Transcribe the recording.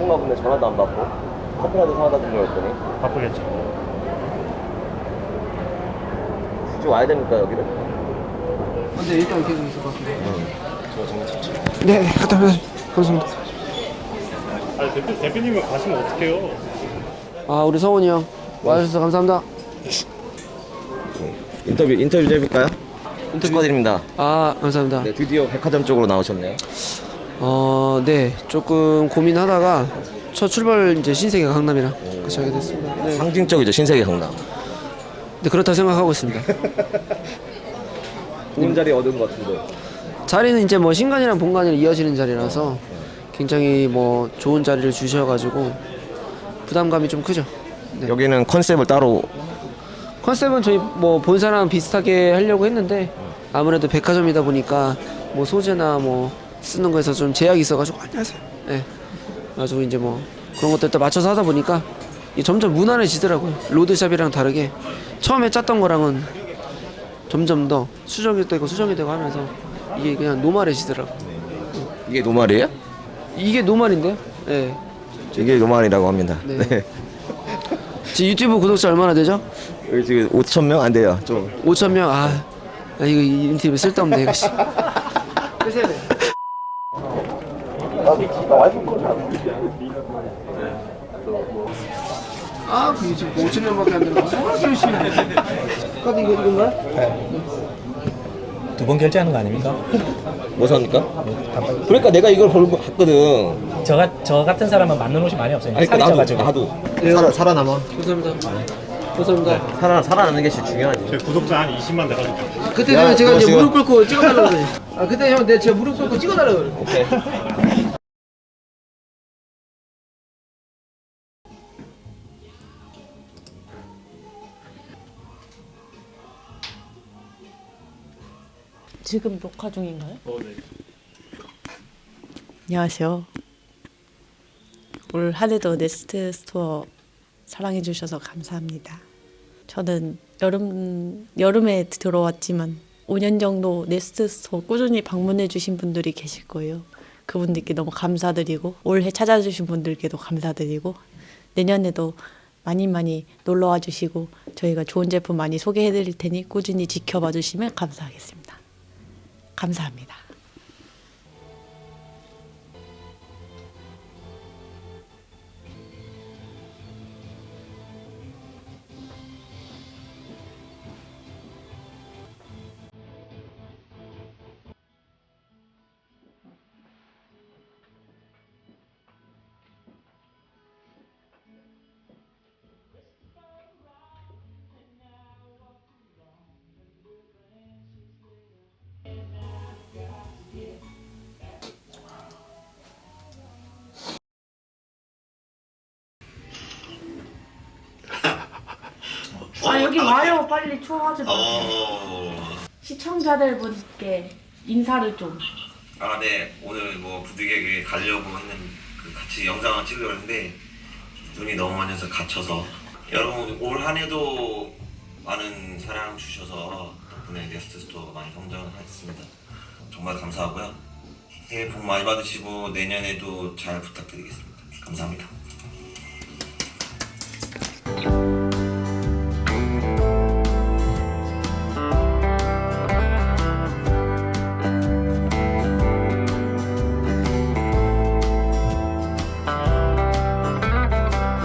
바쁜가 보네. 전화도 안 받고. 커피라도 사다 주려고 했더니. 바쁘겠죠. 굳이 와야 됩니까 여기를? 근데 일단 계속 있을 것 같은데. 저 정말 좋죠. 네, 갔다 오세요. 감사합니다. 아니 대표님은 가시면 어떡해요? 아, 우리 성훈이 형 와주셔서 감사합니다. 인터뷰 좀 해볼까요? 축하드립니다. 아, 감사합니다. 네, 드디어 백화점 쪽으로 나오셨네요. 네, 조금 고민하다가 첫 출발 이제 신세계 강남이랑 같이 하게 됐습니다. 네, 상징적이죠, 신세계 강남. 네, 그렇다 생각하고 있습니다. 좋은 자리 얻은 것 같은데. 자리는 이제 뭐 신간이랑 본간이 이어지는 자리라서 굉장히 뭐 좋은 자리를 주셔가지고 부담감이 좀 크죠. 네. 여기는 컨셉을 따로. 컨셉은 저희 뭐 본사랑 비슷하게 하려고 했는데 아무래도 백화점이다 보니까 뭐 소재나 뭐 쓰는 거에서 좀 제약이 있어가지고 안녕하세요. 네. 가지고 이제 뭐 그런 것들 또 맞춰서 하다 보니까 이게 점점 무난해지더라고요. 로드샵이랑 다르게 처음에 짰던 거랑은 점점 더 수정이 되고 하면서 이게 그냥 노멀해지더라고. 이게 노말이에요? 이게 노멀인데요? 네. 이게 노말이라고 합니다. 네. 네. 지금 유튜브 구독자 얼마나 되죠? 여기 지금 5,000명 안 돼요. 좀. 5,000명. 아 이거 이 인터뷰 쓸데없네 이거. 끄세요. 나 와이프 거 잘. 아, 그게 지금 5,000명밖에 안 되는 거. 뭐가 열심히 해. 카드 이건가요? 두 번 결제하는 거 아닙니까? 뭐 삽니까? 그러니까 내가 이걸 걸고 갔거든. 저 같은 사람은 맞는 옷이 많이 없어요. 아니, 살이 나도 쪄가지고. 살아남아. 감사합니다. 감사합니다. 살아나는 게 제일 중요하지. 제 구독자 한 20만 돼가지고. 그때 야, 되면 제가 너 이제 지금- 무릎 꿇고 찍어달라고 그래. 아, 그때 형, 제가 무릎 꿇고 찍어달라고 그래. 오케이. 지금 녹화 중인가요? 네. 안녕하세요. 올 한 해도 네스트 스토어 사랑해 주셔서 감사합니다. 저는 여름에 들어왔지만 5년 정도 네스트 스토어 꾸준히 방문해 주신 분들이 계실 거예요. 그분들께 너무 감사드리고 올해 찾아주신 분들께도 감사드리고 내년에도 많이 놀러와 주시고 저희가 좋은 제품 많이 소개해 드릴 테니 꾸준히 지켜봐 주시면 감사하겠습니다. 감사합니다. 아 여기 와요 빨리 추워하지 마세요. 시청자들 분께 인사를 좀. 아, 네. 오늘 뭐 부득이하게 가려고 했는 같이 영상을 찍으려고 했는데 눈이 너무 많이 와서 갇혀서 여러분 올 한 해도 많은 사랑 주셔서 덕분에 네스트 스토어가 많이 성장했습니다. 정말 감사하고요. 새해 복 많이 받으시고 내년에도 잘 부탁드리겠습니다. 감사합니다.